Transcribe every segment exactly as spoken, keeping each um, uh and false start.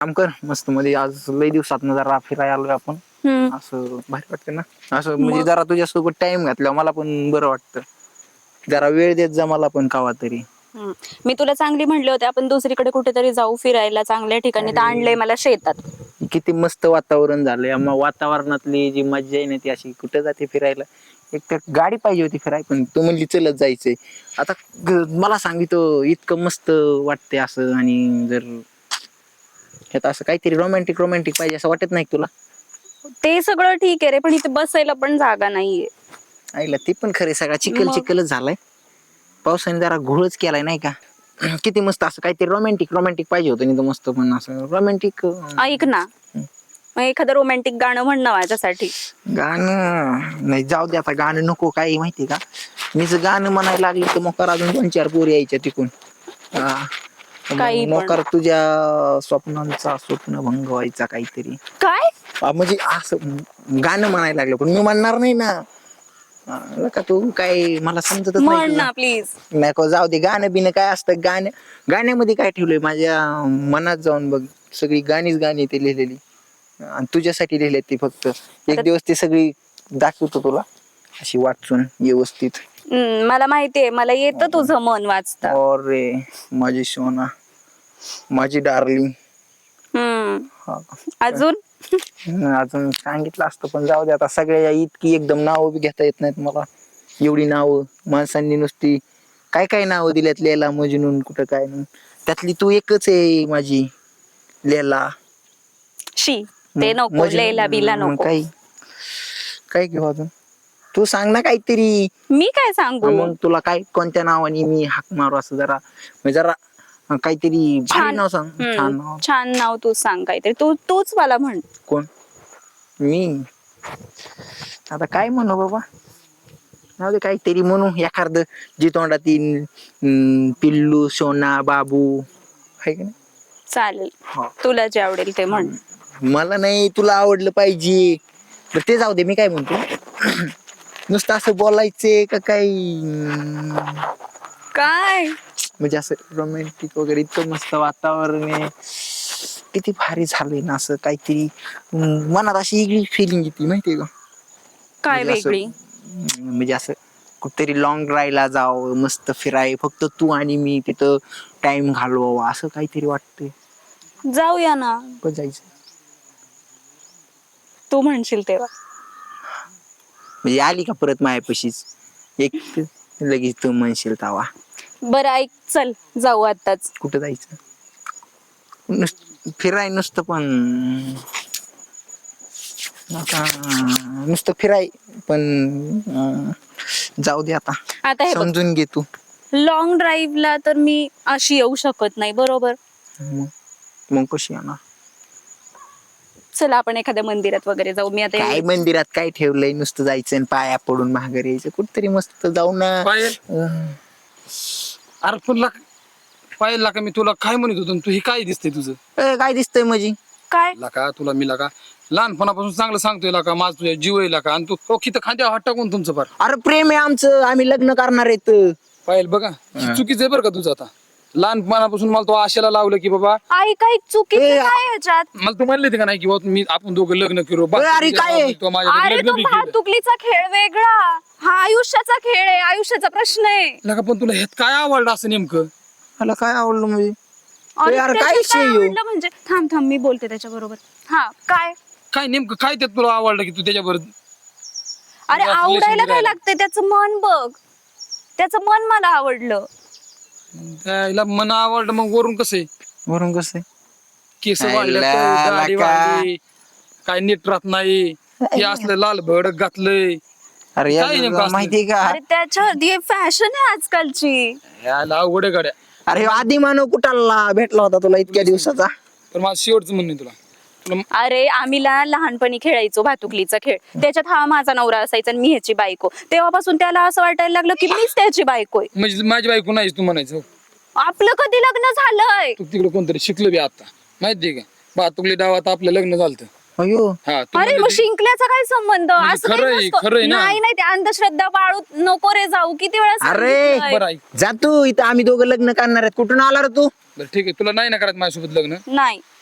काम कर मस्त मध्ये आज लई दिवसात जरा फिरायला आलोय आपण. हम्म. असं भारी वाटतं ना असं म्हणजे जरा तुझ्यासोबत टाइम घातला मला पण बरं वाटतं. जरा वेळ देत जा मला पण कवा तरी. हम्म. मी तुला चांगली म्हणले होते आपण दुसरीकडे कुठेतरी जाऊ फिरायला चांगल्या ठिकाणी, तर आणलंय मला शेतात. किती मस्त वातावरण झालंय, मग वातावरणातली जी मज्जा आहे ना ती अशी कुठे जाते फिरायला. एक तर गाडी पाहिजे होती फिराय, पण तू म्हणली चलत जायचंय. आता मला सांगितलं इतकं मस्त वाटते असं, आणि जर ह्यात असं काहीतरी रोमॅन्टिक रोमॅन्टिक पाहिजे असं वाटत नाही तुला? ते सगळं ठीक आहे रे, पण इथे बसायला पण जागा नाहीये. आईला ते पण खरे, सगळा चिखल मग चिखलच झालाय. पावसाने जरा घोळच केलाय नाही का. किती मस्त असं काहीतरी रोमॅन्टिक रोमॅन्टिक पाहिजे होतं, नाही तर मस्त पण असं रोमॅन्टिक. ऐक ना, मग एखादं रोमॅन्टिक गाणं म्हण ना माझ्यासाठी. गाणं नाही, जाऊ दे आता, गाणं नको. काही माहिती का, मी जर गाणं म्हणायला लागले तर मोकार अजून दोन चार पोरी यायच्या तिकून. काही पण. मोकार तुझ्या स्वप्नांचा स्वप्नभंग व्हायचा काहीतरी. काय म्हणजे असं गाणं म्हणायला लागलं, पण मी म्हणणार नाही ना का. तू काय मला समजतच नाही म्हण तुझं. ना प्लीज. नको, जाऊ दे. गाणं बिणं काय असतं, गाणं गाण्यामध्ये काय ठेवलंय माझ्या मनात जाऊन बघ. सगळी गाणीच गाणी ते लिहिलेली, आणि तुझ्यासाठी लिहिले ती. फक्त एक दिवस ती सगळी दाखवतो तुला अशी वाचून व्यवस्थित. हम्म, मला माहितीये, मला येतं तुझं मन वाचता. अरे माझी सोना, माझी डार्लिंग. हम्म. अजून अजून सांगितलं असतं, पण जाऊ दे आता. सगळ्या इतकी एकदम नावं बी घेता येत नाहीत मला. एवढी नावं माणसांनी नुसती काय काय नावं दिल्यात, लैला मजनून कुठं काय नाही. त्यातली तू एकच आहे माझी लैला. शी ते नको, लैला बिला मग नको. काय काय घेऊ अजून, तू सांग ना काहीतरी. मी काय सांगू? मग तुला काय कोणत्या नावाने मी हाक मारू, असं जरा जरा काहीतरी भारी छान. नाव सांग. हम्म, छान नाव. छान नाव तू सांग काहीतरी. तू तूच मला म्हण. कोण? मी आता काय म्हणू बाबा. जाऊ दे, काहीतरी म्हणू एखादं जी तोंडात येईल. पिल्लू, सोना, बाबू, आहे का नाही. चालेल, तुला जे आवडेल ते म्हण. मला नाही, तुला आवडलं पाहिजे. तर ते जाऊ दे, मी काय म्हणतो, नुसतं असं बोलायचे का काही. काय म्हणजे असं रोमॅन्टिक वगैरे. इतकं मस्त वातावरण आहे, किती भारी झालंय ना. असं काहीतरी मनात अशी वेगळी फिलिंग येते माहितीये का. काय म्हणजे असं वेगळी? म्हणजे असं कुठेतरी लॉंग ड्राईव्हला जावं, मस्त फिराय, फक्त तू आणि मी तिथं टाइम घालवावा, असं काहीतरी वाटतंय. जाऊया ना. कुठं जायचं? तू म्हणशील तेव्हा. म्हणजे आली का परत मायापाशीच एक लगेच तू म्हणशील तवा. बरं ऐक, चल जाऊ आताच. कुठं जायचं? नुसतं फिराय, नुसतं पण आता नुसतं फिराय पण. जाऊ दे आता, आता हे बघ, समजून घे तू. लॉंग ड्राईव्हला तर मी अशी येऊ शकत नाही, बरोबर. मग कशी येणार? चला आपण एखाद्या मंदिरात वगैरे जाऊ. मी आता काय मंदिरात काय ठेवलंय, नुसतं जायचं आणि पाया पडून माघारी यायचं. कुठतरी मस्त जाऊ ना. अरे तुला पाहिलं का, मी तुला काय म्हणत होतो, तू हे काय दिसतंय तुझं? काय दिसतंय म्हणजे? काय लका तुला मी लका लहानपणापासून चांगलं सांगतोय लका, माझ तुझ्या जीव आहे लका, आणि तू ओखी तर खांद्यावर हात टाकून तुमचं फार. अरे प्रेम आहे आमचं, आम्ही लग्न करणार आहेत. पाहिलं बघा, हे चुकीचं आहे बरं का तुझं. आता लहानपणापासून मला तो आशेला लावलं की बाबा, आई काय चुकीचं काय ह्याच्यात? मला तू म्हणले का नाही की बाबा मी आपण दोघं लग्न करू. अरे काय? अरे तो भातुकलीचा खेळ वेगळा, हा आयुष्याचा खेळ आहे, आयुष्याचा प्रश्न आहे. लका पण तुला ह्यात काय आवडलं असं नेमकं? मला काय आवडलं म्हणजे? अरे यार, त्याच्यात काय काय विषय ह्यो? आवडलं म्हणजे? थांब थांब मी बोलते त्याच्या बरोबर. हा काय काय नेमकं काय त्यात तुला आवडलं की तू त्याच्याबरोबर? अरे तुला आवडायला relation काय राहिलं. लागतंय, त्याचं मन बघ, त्याचं मन मला आवडलं. त्याला मन आवडलं, मग वरून कसं आहे? वरून कसं आहे? केस आयला वाढले, दाढी लका. वाढली, काय नीट राहत नाही, हे असलं लाल भडक घातलंय. अरे काय नेमकं यार, असलं? माहितीये का? अरे त्याच्या फॅशन आहे आजकालची. याला अवघड आहे गाड्या. अरे आधी मानव कुठाला भेटला होता तुला इतक्या दिवसाचा? पण माझं शेवटचं म्हणणं आहे तुला, तुला अरे आम्ही ला- लहानपणी खेळायचो भातुकलीचा खेळ. त्याच्यात हा माझा नवरा असायचा आणि मी ह्याची बायको. तेव्हापासून त्याला असं वाटायला लागलं की मीच त्याची बायको आहे. म्हणजे माझी बायको नाहीस तू म्हणायचं. आपलं कधी लग्न झालंय? तू तिकडे कोणतरी शिकलं बी आता, माहितीये का? भातुकली डावात आपलं लग्न झालं. अयो, हा तू अरे म्हणली मग ती- शिंकल्याचा काय संबंध? म्हणजे असं काही खरंय, नसतं. खरंय ना. नाही नाही, ते अंधश्रद्धा पाळू नको रे जाऊ. किती वेळा अरे सांगितलंय. बरं ऐक, जा तू, इथं आम्ही दोघं लग्न करणार आहेत. कुठून आला रे तू? बरं ठीक आहे, तुला नाही ना करायचं माझ्यासोबत लग्न? नाही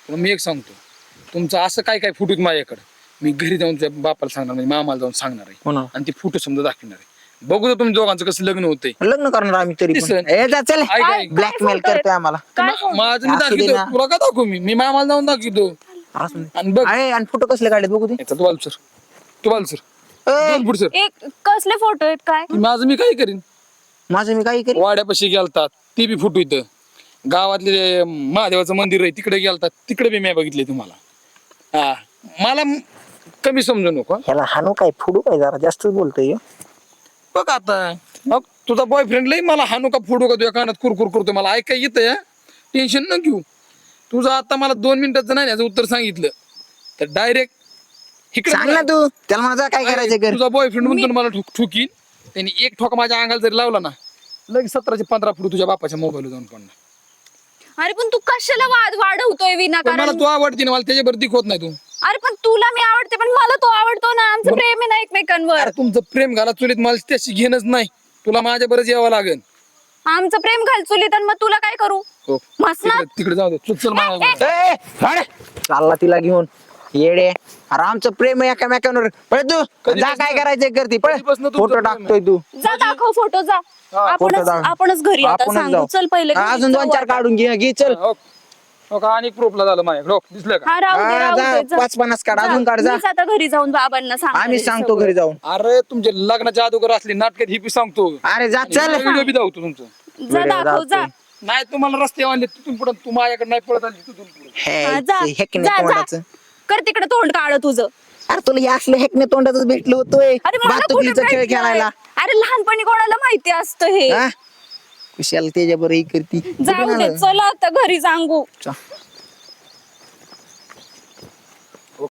पण मी एक सांगतो, तुमचं असं काय काय फुटूत माझ्याकडे, मी घरी जाऊन तुझ्या बापाला सांगणार, म्हणजे मामाला जाऊन सांगणार आहे हो ना. आणि ती फोटो समजा दाखवणार आहे. बघू तर तुमच्या दोघांचं कसं लग्न होतंय. लग्न करणार आम्ही तरी पण. दिसन. ए जा चल, ऐक, ऐक. ब्लॅकमेल photo आहेत? करतोय आम्हाला. काय मा- photo? माझं मी असू दे दाखवतो, ना. तुला का दाखवू मी मी मामाला जाऊन दाखवतो. असू दे. आणि बघ अरे आणि फोटो कसले काढले बघू दे. याचा तू बाल सर तू बाल सर ए, दोन फूट सर. एक कसले फोटो आहेत काय? माझं मी काय करीन. माझं मी काही करी. वाड्यापाशी गेलतात ती बी फुटू इथं, गावातले महादेवाचं मंदिर आहे तिकडे गेलतात तिकडे बी मी बघितले तुम्हाला. हा मला म- कमी समजू नको हं. ह्याला हाणू काय फुडू काय जरा जास्त बोलतोय ह्यो. बघ आता मग तुझा बॉयफ्रेंड लई मला हानू का फोडू का तुझ्या कानात कुरकुर करतो, मला ऐकाय येतं या, टेन्शन न घेऊ. तुझं आता मला दोन मिनिटाचं नाही याचं उत्तर सांगितलं तर डायरेक्ट सांग ना तू त्याला माझा काय करायचं कर. तुझा बॉयफ्रेंड म्हणतो ना मला ठोक ठोकीन, त्यांनी एक ठोका माझ्या अंगाला जरी लावला ना लगेच सतराशे पंधरा फुट तुझ्या बापाच्या मोबाईलवर जाऊन पडणार. अरे पण तू कशाला वाद वाढवतोय पण मला विनाकारण? तू आवडती ना, मला त्याच्यावर दिख होत नाही तू. अरे पण तुला मी आवडते पण मला तो आवडतो ना, आमचं प्रेम आहे ना एकमेकांवर. अरे तुमचं प्रेम घाला चुलीत, मला त्याशी घेणंच नाही, तुला माझ्या बरंच यावं लागेल. आमचं प्रेम घाल चुलीत आणि मग तुला काय करू? हो मस्त ना? तिकडे तिकडे जाऊ दे, चल चल माझ्या ए, हट. चालला तिला घेऊन येडे. अरे आमचं प्रेम आहे एकामेकांवर. पळ तू कधी जा बसणं- काय करायचंय करते पळ. कधी बसणं तुमचं फोटो प्रेम आहे? टाकतोय तू. जा दाखव फोटो जा. फोटो आपणच दाखव. आपणच घरी आता आपणच सांगू. जाऊ. चल पहिले हा, घरी अजून दोन जाऊ चार आता. काढून घे घे चल. हो हो का, आणि प्रूफला झालं माझ्याकडे हो, दिसलं का? हा राहू दे हा, राहू जा, दे जा. पाच पन्नास काढ, जा. अजून काढ, जा. मीच आता घरी जाऊन बाबांना सांगणार आम्ही आहे सांगतो सगळं. घरी जाऊन. अरे तुमच्या लग्नाच्या अगोदर असली नाटकात ही बी सांगतो, अरे जा चल. व्हिडिओ बी दाखवतो तुमचं. जा व्हिडिओ दाखव जा. दाखव. नाही तुम्हाला रस्ते आणले तिथून पुढे, तू माझ्याकडे नाही पळत आली तिथून पुढे. हे, हा, जा ते हेकणे जा, जा. तोंडाचं. कर तिकडे तोंड काढ तुझं. अरे तुला हे असलं हेकणे तोंडाचं भेटलं होतोय अरे मला कुठे भातुकलीचा खेळ भेटलंय? खेळायला. अरे लहानपणी कोणाला माहिती असतं हे? हा? कुशाला त्याच्या बरं ही करती. जाऊ दे चला आता घरी सांगू. चा.